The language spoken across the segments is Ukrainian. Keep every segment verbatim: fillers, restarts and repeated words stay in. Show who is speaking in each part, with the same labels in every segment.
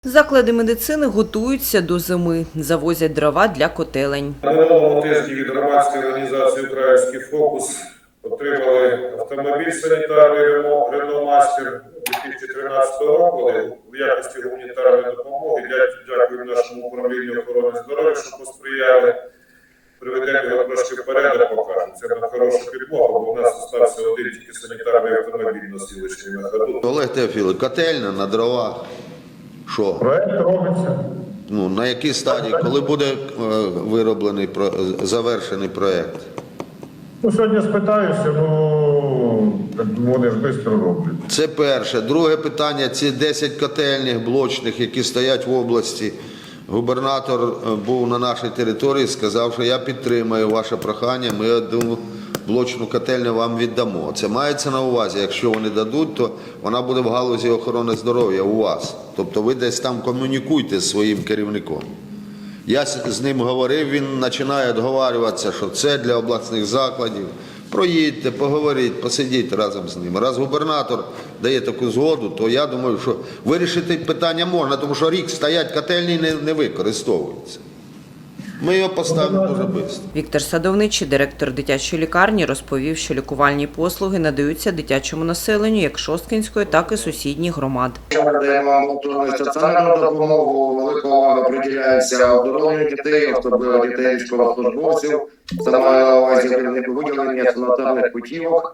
Speaker 1: Заклади медицини готуються до зими, завозять дрова для котелень.
Speaker 2: На минулому тижні від громадської організації «Український фокус» отримали автомобіль санітарний «Рено Мастер» дві тисячі тринадцятого року в якості гуманітарної допомоги. Дякую нашому управлінню охорони здоров'я, що посприяли. Приведемо його трошки вперед, покажемо. Це на хорошу підмогу, бо в нас залишився один тільки санітарний автомобіль на сілочній на ходу.
Speaker 3: Олег Теофілович, котельня на дровах. Що?
Speaker 4: Проект робиться.
Speaker 3: Ну, на якій стадії? Коли буде е, вироблений, про, завершений проєкт?
Speaker 4: Ну, сьогодні спитаюся, ну, вони ж швидко роблять.
Speaker 3: Це перше. Друге питання, ці десять котельних блочних, які стоять в області. Губернатор був на нашій території, сказав, що я підтримую ваше прохання, ми одну блочну котельню вам віддамо. Це мається на увазі, якщо вони дадуть, то вона буде в галузі охорони здоров'я у вас. Тобто ви десь там комунікуйте з своїм керівником. Я з ним говорив, він починає відговорюватися, що це для обласних закладів. Проїдьте, поговоріть, посидіть разом з ним. Раз губернатор дає таку згоду, то я думаю, що вирішити питання можна, тому що рік стоять котельні не, не використовуються. Ми його поставимо дуже швидко.
Speaker 1: Віктор Садовничий, директор дитячої лікарні, розповів, що лікувальні послуги надаються дитячому населенню як Шосткинської, так і сусідніх громад.
Speaker 5: Ми надаємо амбулаторну стаціонарну допомогу, велика увага приділяється оздоровленню дітей, особливо дітей військовослужбовців. Це має на увазі виділення санітарних путівок.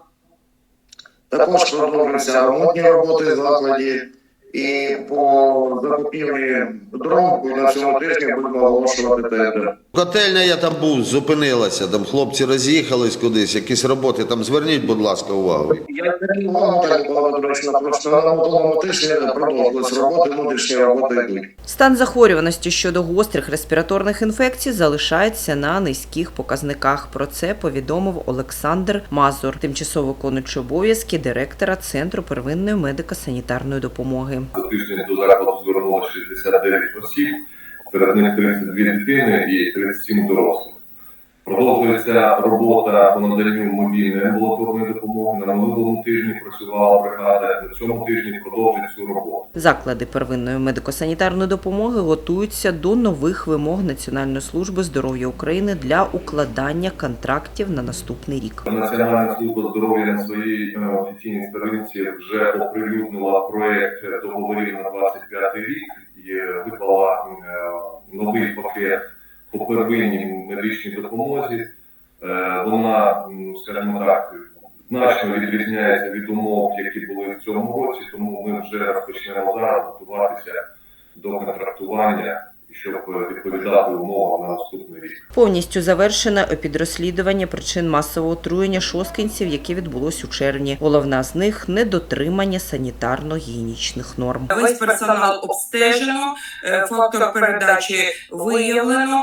Speaker 5: Також продовжуються ремонтні роботи в закладі. І по закупівлі дров на цьому тижні будемо оголошувати тендер.
Speaker 3: Котельня, я там був, зупинилася, там хлопці роз'їхались кудись, якісь роботи, там зверніть, будь ласка, увагу.
Speaker 5: Я не увагу, так було доречно, просто на минулому тижні продовжились роботи, внутрішні роботи йдуть.
Speaker 1: Стан захворюваності щодо гострих респіраторних інфекцій залишається на низьких показниках. Про це повідомив Олександр Мазур, тимчасово виконуючий обов'язки директора Центру первинної медико-санітарної допомоги.
Speaker 6: За тиждень до закладу звернулося шістдесят дев'ять осіб, серед них тридцять дві дитини і тридцять сім дорослих. Продовжується робота по наданню мобільної амбулаторної допомоги. На минулому тижні працювала бригада, на цьому тижні продовжить цю роботу.
Speaker 1: Заклади первинної медико-санітарної допомоги готуються до нових вимог Національної служби здоров'я України для укладання контрактів на наступний рік.
Speaker 6: Національна служба здоров'я на своїй офіційній сторінці вже оприлюднила проєкт договорів на двадцять п'ятий рік і виклала новий пакет по первинній медичній допомозі. Вона, скажімо так, значно відрізняється від умов, які були в цьому році, тому ми вже розпочнемо зараз готуватися до контрактування, щоб відповідати умовам на наступний рік.
Speaker 1: Повністю завершено епідрозслідування причин масового отруєння шосткинців, яке відбулось у червні. Головна з них – недотримання санітарно-гігієнічних норм.
Speaker 7: Весь персонал обстежено, фактор передачі виявлено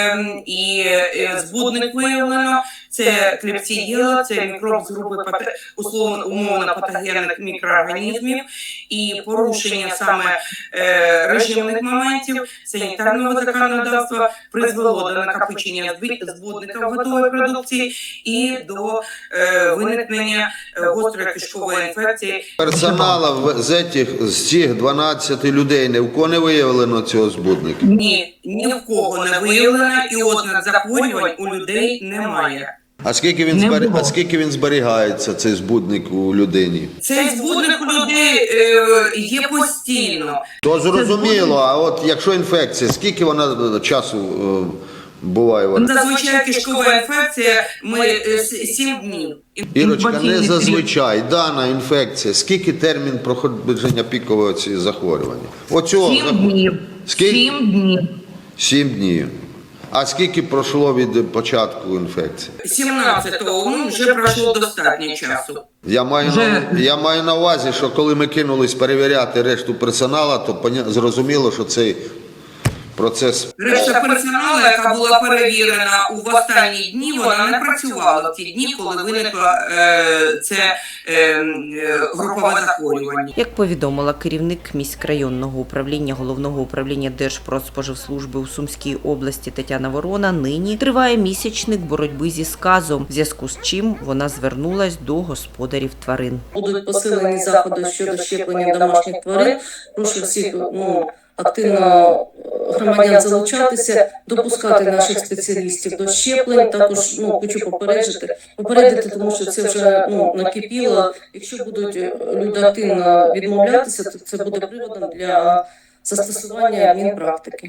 Speaker 7: і збудник виявлено. Це клепсиділа, це мікроб з групи условно умовно патогенних мікроорганізмів і порушення саме режимних моментів санітарного законодавства призвело до накопичення збудника в готовій продукції і до виникнення гострої кишкової інфекції.
Speaker 3: Персонала з цих, з цих дванадцяти людей ні в кого не виявлено цього збудника?
Speaker 7: Ні, ні в кого не виявлено і ознак захворювань у людей немає.
Speaker 3: А скільки він збері... а скільки він зберігається, цей збудник у людині?
Speaker 7: Цей збудник у людей е, є постійно.
Speaker 3: То зрозуміло, а от якщо інфекція, скільки вона часу е, буває? Вона?
Speaker 7: Зазвичай кишкова інфекція ми е, сім днів.
Speaker 3: Ірочка, не зазвичай, дана інфекція, скільки термін проходження пікового цієї захворювання? Оцього
Speaker 8: Сім
Speaker 3: захворювання.
Speaker 8: днів.
Speaker 3: Скільки?
Speaker 8: Сім днів.
Speaker 3: Сім днів. А скільки пройшло від початку інфекції?
Speaker 7: сімнадцятого ну, вже пройшло достатньо часу.
Speaker 3: Я маю,
Speaker 8: Вже...
Speaker 3: на, я маю на увазі, що коли ми кинулись перевіряти решту персоналу, то поня... зрозуміло, що цей процес...
Speaker 7: Решта персоналу, яка була перевірена у останні дні, вона не працювала в ті дні, коли виникло е, це е, групове захворювання.
Speaker 1: Як повідомила керівник міськрайонного управління Головного управління Держпродспоживслужби у Сумській області Тетяна Ворона, нині триває місячник боротьби зі сказом, в зв'язку з чим вона звернулась до господарів тварин.
Speaker 9: Будуть посилені заходи щодо щеплення домашніх тварин. Прошу всіх, ну,
Speaker 8: активно громадян залучатися, допускати наших спеціалістів до щеплень. Також ну, хочу попередити, попередити, тому що це вже ну, накипіло. Якщо будуть люди активно відмовлятися, то це буде приводом для застосування адмінпрактики.